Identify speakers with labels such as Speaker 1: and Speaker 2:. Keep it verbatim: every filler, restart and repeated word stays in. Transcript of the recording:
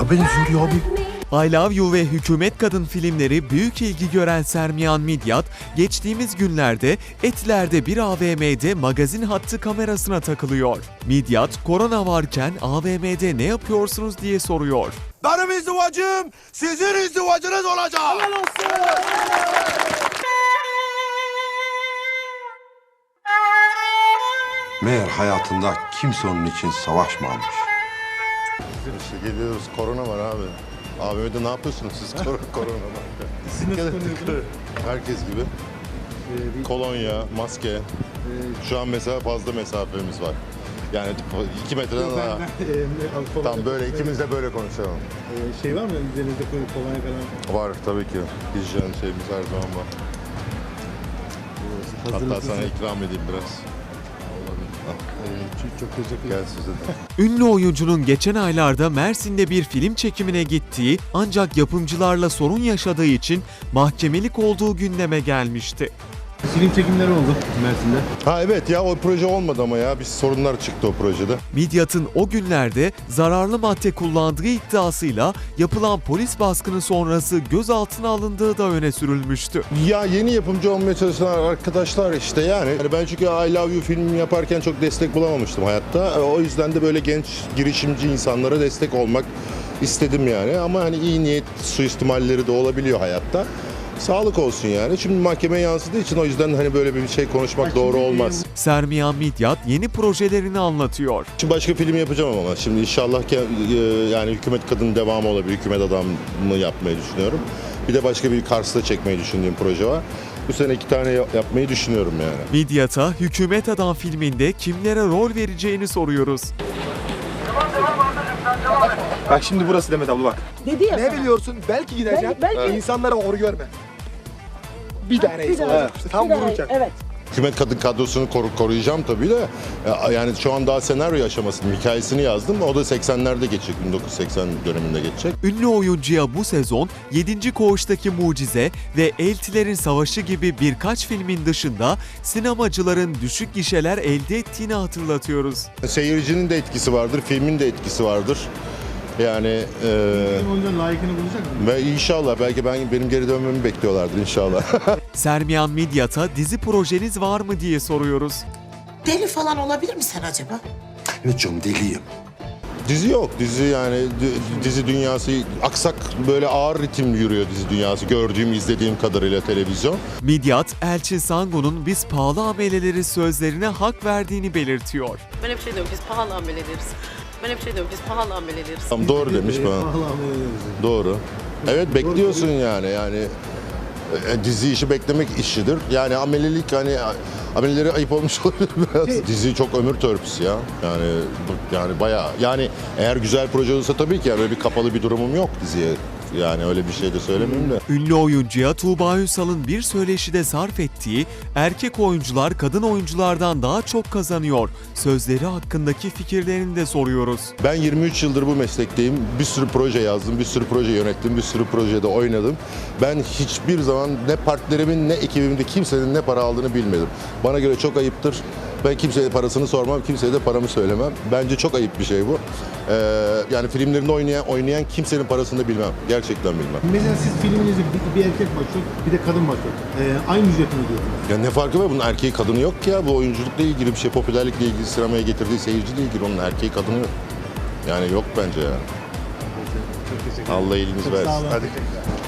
Speaker 1: Baba benziyor abi.
Speaker 2: I Love You ve Hükümet Kadın filmleri büyük ilgi gören Sermiyan Midyat, geçtiğimiz günlerde Etiler'de bir A V M'de magazin hattı kamerasına takılıyor. Midyat, korona varken A V M'de ne yapıyorsunuz diye soruyor.
Speaker 1: Benim izdivacım sizin izdivacınız olacak. Helal olsun.
Speaker 3: Meğer hayatında kimse onun için savaşmamış.
Speaker 4: İşte geliyoruz, korona var abi. A V M'de ne yapıyorsunuz siz? Kor korona var.
Speaker 5: Siz nasıl koruyorsunuz?
Speaker 4: Herkes gibi.
Speaker 5: Ee, bir-
Speaker 4: Kolonya, maske.
Speaker 5: Ee,
Speaker 4: Şu an mesela fazla mesafemiz var. Yani iki metreden
Speaker 5: ben-
Speaker 4: daha.
Speaker 5: ben, e, al- kolonya-
Speaker 4: Tam böyle ikimiz de böyle konuşalım.
Speaker 5: Ee, şey var mı üzerinizde koyup kolonya falan?
Speaker 4: Var tabii ki. Hijyen şeyimiz her zaman var.
Speaker 5: Hazır
Speaker 4: Hatta
Speaker 5: mısınız?
Speaker 4: sana ikram edeyim biraz.
Speaker 5: Ee, çok, çok teşekkür
Speaker 4: Gel
Speaker 5: ederim.
Speaker 4: size de.
Speaker 2: Ünlü oyuncunun geçen aylarda Mersin'de bir film çekimine gittiği ancak yapımcılarla sorun yaşadığı için mahkemelik olduğu gündeme gelmişti.
Speaker 5: Film çekimleri oldu Mersin'de.
Speaker 4: Ha evet ya o proje olmadı ama ya bir sorunlar çıktı o projede.
Speaker 2: Midyat'ın o günlerde zararlı madde kullandığı iddiasıyla yapılan polis baskını sonrası gözaltına alındığı da öne sürülmüştü.
Speaker 4: Ya yeni yapımcı olmaya çalışan arkadaşlar işte yani. Yani ben çünkü I Love You filmini yaparken çok destek bulamamıştım hayatta. O yüzden de böyle genç girişimci insanlara destek olmak istedim yani. Ama hani iyi niyet suistimalleri de olabiliyor hayatta. Sağlık olsun yani. Şimdi mahkemeye yansıdığı için o yüzden hani böyle bir şey konuşmak
Speaker 5: Ha,
Speaker 4: doğru
Speaker 5: şimdi,
Speaker 4: olmaz.
Speaker 2: Sermiyan Midyat yeni projelerini anlatıyor.
Speaker 4: Şimdi başka film yapacağım ama şimdi inşallah ki, e, yani Hükümet Kadın devamı olabilir. Hükümet Adamı yapmayı düşünüyorum. Bir de başka bir Kars'ta çekmeyi düşündüğüm proje var. Bu sene iki tane yap- yapmayı düşünüyorum yani.
Speaker 2: Midyat'a Hükümet Adam filminde kimlere rol vereceğini soruyoruz.
Speaker 1: Bak şimdi burası Demet abla bak.
Speaker 6: Dedi ya
Speaker 1: Ne
Speaker 6: sana.
Speaker 1: biliyorsun? Belki gideceğim.
Speaker 6: Belki- belki-
Speaker 1: İnsanlara hor görme. Bir tane
Speaker 6: Bir
Speaker 1: insan
Speaker 6: daha-
Speaker 1: olacak işte. Tam
Speaker 6: bir daha-
Speaker 1: vuracak.
Speaker 6: Evet.
Speaker 4: Hükümet Kadın kadrosunu koru- koruyacağım tabii de. E, Yani şu an daha senaryo aşamasının hikayesini yazdım. O da seksenlerde geçecek, bin dokuz yüz seksen döneminde geçecek.
Speaker 2: Ünlü oyuncuya bu sezon yedinci Koğuş'taki Mucize ve Eltilerin Savaşı gibi birkaç filmin dışında sinemacıların düşük gişeler elde ettiğini hatırlatıyoruz.
Speaker 4: Seyircinin de etkisi vardır, filmin de etkisi vardır. Yani e,
Speaker 5: Film oyuncuların layıkını bulacak mı?
Speaker 4: ve inşallah belki ben benim geri dönmemi bekliyorlardır inşallah.
Speaker 2: Sermiyan Midyat'a dizi projeniz var mı diye soruyoruz.
Speaker 6: Deli falan olabilir mi sen acaba?
Speaker 3: Evet canım deliyim.
Speaker 4: Dizi yok. Dizi yani di- dizi dünyası aksak böyle ağır ritim yürüyor dizi dünyası. Gördüğüm, izlediğim kadarıyla televizyon.
Speaker 2: Midyat, Elçin Sangun'un biz pahalı ameleleri sözlerine hak verdiğini belirtiyor.
Speaker 7: Ben hep şey diyorum, biz pahalı amel ederiz. Ben hep şey diyorum, biz pahalı amel ederiz.
Speaker 4: Tam doğru demiş
Speaker 5: Ee,
Speaker 4: bana.
Speaker 5: pahalı amel ediyoruz.
Speaker 4: Doğru. Evet bekliyorsun yani yani e, dizi işi beklemek işidir. Yani amelilik hani amelileri ayıp olmuş olabilir biraz.
Speaker 5: Şey-
Speaker 4: Dizi çok ömür törpüsü ya. Yani bu- yani bayağı yani eğer güzel proje olursa tabii ki yani öyle bir kapalı bir durumum yok diziye. Yani öyle bir şey de söylemeyeyim de.
Speaker 2: Ünlü oyuncuya Tuğba Ünsal'ın bir söyleşide sarf ettiği "erkek oyuncular kadın oyunculardan daha çok kazanıyor" sözleri hakkındaki fikirlerini de soruyoruz.
Speaker 4: Ben yirmi üç yıldır bu meslekteyim. Bir sürü proje yazdım, bir sürü proje yönettim, bir sürü projede oynadım. Ben hiçbir zaman ne partnerimin ne ekibimde kimsenin ne para aldığını bilmedim. Bana göre çok ayıptır. Ben kimseye parasını sormam, kimseye de paramı söylemem. Bence çok ayıp bir şey bu. Ee, yani filmlerinde oynayan, oynayan kimsenin parasını da bilmem. Gerçekten bilmem.
Speaker 5: Mesela siz filminizde bir, bir erkek başrol, bir de kadın başrol. Ee, aynı ücreti mi ödüyorsunuz?
Speaker 4: Ya ne farkı var? Bunun erkeği kadını yok ki ya. Bu oyunculukla ilgili bir şey, popülerlikle ilgili, sinemaya getirdiği seyirciyle ilgili. Onun erkeği kadını yok. Yani yok bence ya.
Speaker 5: Çok teşekkür ederim.
Speaker 4: Allah iyiliğiniz
Speaker 5: Çok sağ
Speaker 4: versin.
Speaker 5: olun.
Speaker 4: Hadi.